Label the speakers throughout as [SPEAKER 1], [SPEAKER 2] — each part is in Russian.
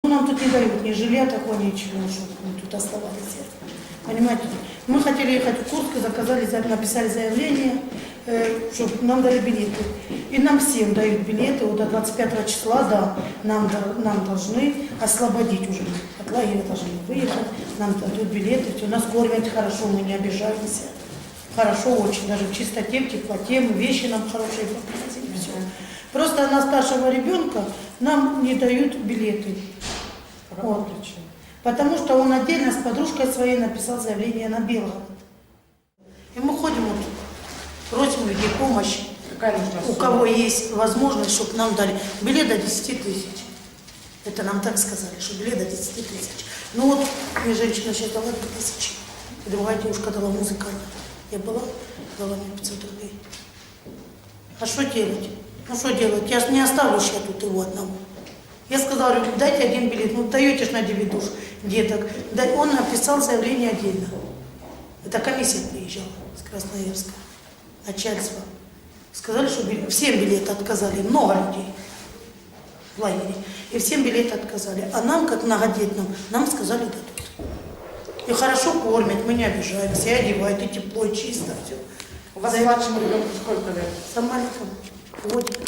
[SPEAKER 1] Нам тут не дают ни жилья такого, ничего, чтобы мы тут оставались. Понимаете? Мы хотели ехать в Курск, написали заявление, чтобы нам дали билеты. И нам всем дают билеты, вот до 25 числа, да, нам должны освободить уже. От лагеря должны выехать, нам дадут билеты, все, нас кормят хорошо, мы не обижаемся. Хорошо очень, даже в чистоте, в теплоте, вещи нам хорошие привозили, все. Просто на старшего ребенка нам не дают билеты. Вот. Потому что он отдельно с подружкой своей написал заявление на Белгород. И мы ходим, вот, просим людей помощи. У кого есть возможность, чтобы нам дали билет до 10 тысяч. Это нам так сказали, что билет до 10 тысяч. Ну вот, мне женщина сейчас дала 2000. И другая девушка дала музыкальную. Я была, дала мне 500 рублей. А что делать? Ну что делать? Я же не оставлю сейчас тут его одного. Я сказала, дайте один билет. Ну даете ж на 9 душ деток. Он написал заявление отдельно. Это комиссия приезжала с Красноярска. Начальство. Сказали, что всем билеты отказали. Много людей в лагере. И всем билеты отказали. А нам, как многодетным, нам сказали дадут. И хорошо кормят, мы не обижаемся, и одевают, и тепло, и чисто, все.
[SPEAKER 2] У вас младшему ребенку сколько лет?
[SPEAKER 1] С маленьким годик.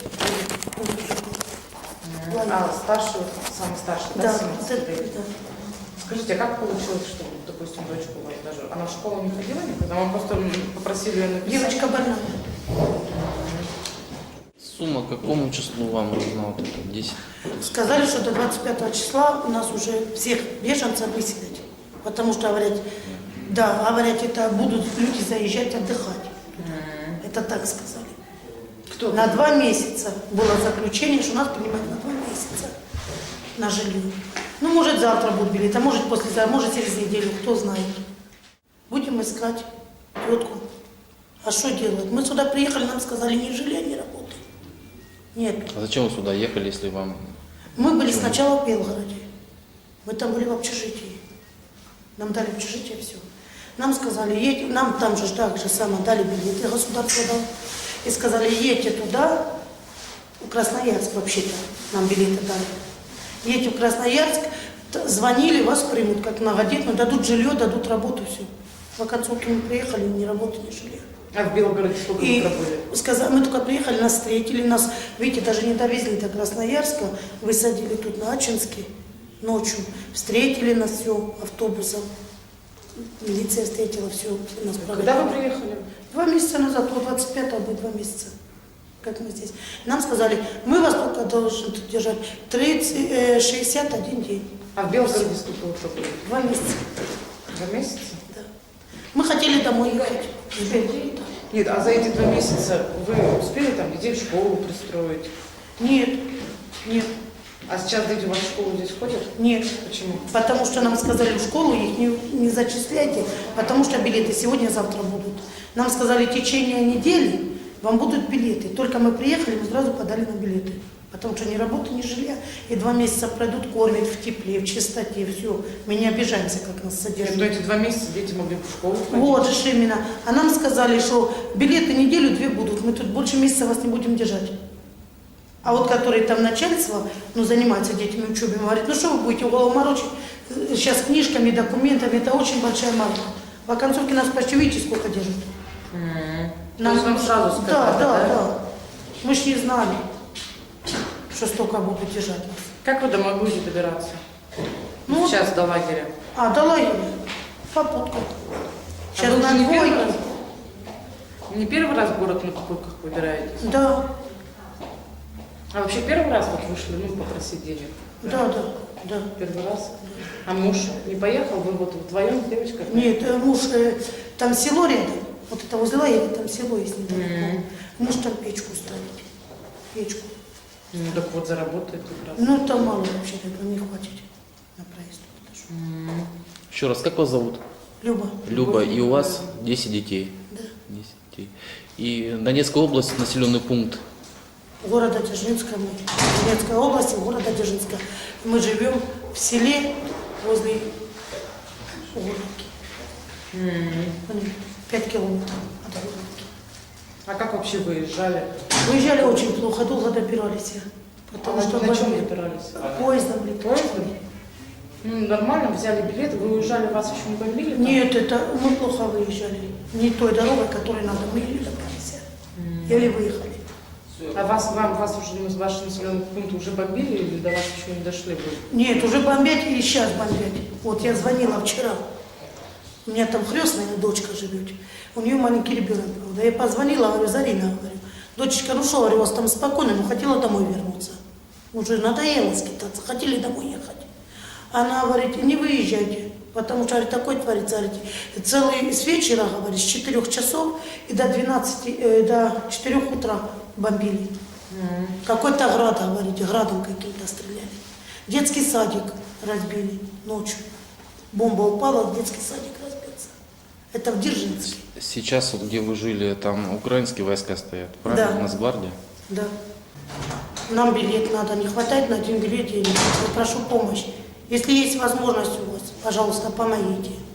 [SPEAKER 2] А старший, самый старший, да, 17 лет?
[SPEAKER 1] Да.
[SPEAKER 2] Скажите, а как получилось, что, допустим, дочку у вас даже, она в школу не ходила никогда? Вам просто попросили ее написать?
[SPEAKER 1] Девочка больная.
[SPEAKER 3] Сумма к какому числу вам нужна вот это 10?
[SPEAKER 1] Сказали, что до 25 числа у нас уже всех беженцев выселят. Потому что, говорят, да, говорят, это будут люди заезжать отдыхать. Это так сказали.
[SPEAKER 2] Кто?
[SPEAKER 1] На 2 месяца было заключение, что нас принимают на 2 месяца на жилье. Ну, может, завтра будет билет, а может, послезавтра, может, через неделю, кто знает. Будем искать тетку. А что делать? Мы сюда приехали, нам сказали, ни жилья, ни работы. Нет.
[SPEAKER 3] А зачем вы сюда ехали, если вам...
[SPEAKER 1] Мы были сначала в Белгороде. Мы там были в общежитии. Нам дали общежитие, все. Нам сказали, едь, нам там же так же самое дали билеты, государство дало. И сказали, едьте туда, в Красноярск вообще-то, нам билеты дали. Едьте в Красноярск, звонили, вас примут как многодетную, дадут жилье, дадут работу, все. В оконцовке мы приехали, ни работы, ни жилья.
[SPEAKER 2] А в Белгороде сколько вы пробыли?
[SPEAKER 1] Сказали, мы только приехали, нас встретили, нас, видите, даже не довезли до Красноярска, высадили тут на Ачинске ночью, встретили нас все автобусом, милиция встретила, все нас проводили.
[SPEAKER 2] Когда вы приехали?
[SPEAKER 1] 2 месяца назад, вот 25-го будет 2 месяца, как мы здесь. Нам сказали, мы вас только должны тут держать 61 день.
[SPEAKER 2] А в Белгороде сколько вы пробыли?
[SPEAKER 1] 2 месяца.
[SPEAKER 2] 2 месяца?
[SPEAKER 1] Да. Мы хотели домой ехать.
[SPEAKER 2] Нет, а за эти 2 месяца вы успели там детей в школу пристроить?
[SPEAKER 1] Нет, нет,
[SPEAKER 2] А сейчас дети у вас в школу здесь ходят?
[SPEAKER 1] нет.
[SPEAKER 2] Почему?
[SPEAKER 1] Потому что нам сказали, в школу их не зачисляйте, потому что билеты сегодня-завтра будут. Нам сказали, в течение недели вам будут билеты. Только мы приехали, мы сразу подали на билеты. Потому что ни работы, ни жилья. И 2 месяца пройдут, кормят в тепле, в чистоте, все. Мы не обижаемся, как нас содержат.
[SPEAKER 2] Но эти 2 месяца дети могли в школу ходить.
[SPEAKER 1] Вот же именно. А нам сказали, что билеты неделю-2 будут, мы тут больше месяца вас не будем держать. А вот которые там начальство, ну, занимаются детьми учебой, говорит, ну что вы будете голову морочить сейчас книжками, документами, это очень большая марка. В оконцовке нас почти, видите, сколько держат.
[SPEAKER 2] То есть вам сразу сказали,
[SPEAKER 1] да? Мы ж не знали, что столько будут держать нас.
[SPEAKER 2] Как вы домой будете добираться?
[SPEAKER 1] Ну,
[SPEAKER 2] Сейчас до лагеря.
[SPEAKER 1] до лагеря. Попуткой. Сейчас
[SPEAKER 2] вы
[SPEAKER 1] на
[SPEAKER 2] уже не первый
[SPEAKER 1] двойке.
[SPEAKER 2] раз? Не первый раз в город на попутках выбираетесь?
[SPEAKER 1] Да.
[SPEAKER 2] А вообще первый раз вот вышли, попросить денег?
[SPEAKER 1] Да.
[SPEAKER 2] Первый раз? А муж не поехал? Вы вот вдвоем с девочкой?
[SPEAKER 1] Нет, муж, там село рядом, вот это возле лагеря, там село есть недалеко. Муж там печку ставит, печку.
[SPEAKER 2] Ну так вот заработает как раз.
[SPEAKER 1] Там мало вообще, не хватит на проезд.
[SPEAKER 3] Еще раз, как вас зовут?
[SPEAKER 1] Люба.
[SPEAKER 3] Люба, и у вас 10 детей?
[SPEAKER 1] Да.
[SPEAKER 3] 10 детей. И Донецкая область, населенный пункт?
[SPEAKER 1] Города Дзержинска, Донецкая область, города Дзержинска. Мы живем в селе возле Горловки. 5 километров от Горловки.
[SPEAKER 2] А как вообще выезжали?
[SPEAKER 1] Выезжали очень плохо, долго добирались. Потому что
[SPEAKER 2] на чем добирались?
[SPEAKER 1] поездом летали.
[SPEAKER 2] Поездом? Ну, нормально, взяли билет, вы уезжали, вас еще не бомбили? там?
[SPEAKER 1] Нет, это мы плохо выезжали. Не той дорогой, которой надо. Мы еле добрались. Еле выехали.
[SPEAKER 2] А вас уже из вашего населенного пункта уже бомбили или до вас еще не дошли?
[SPEAKER 1] Нет, уже бомбят и сейчас бомбят. Вот я звонила вчера. У меня там крестная дочка живет. У нее маленький ребенок, правда. Я позвонила, говорю, Зарина, говорю, дочечка, ну что, говорю, у вас там спокойно, но хотела домой вернуться. Уже надоело скитаться, хотели домой ехать. Она говорит, не выезжайте, потому что, говорит, такой творится, говорит, целый с вечера, говорит, с 4 часов и до 4 утра бомбили. Какой-то град, говорите, градом каким-то стреляли. Детский садик разбили ночью. Бомба упала, детский садик разбился. Это в Дзержинске.
[SPEAKER 3] Сейчас, вот, где вы жили, там украинские войска стоят, правильно?
[SPEAKER 1] Да.
[SPEAKER 3] Нацгвардия?
[SPEAKER 1] Да. Нам билет надо, не хватает на один билет денег. Я прошу помощи. Если есть возможность у вас, пожалуйста, помогите.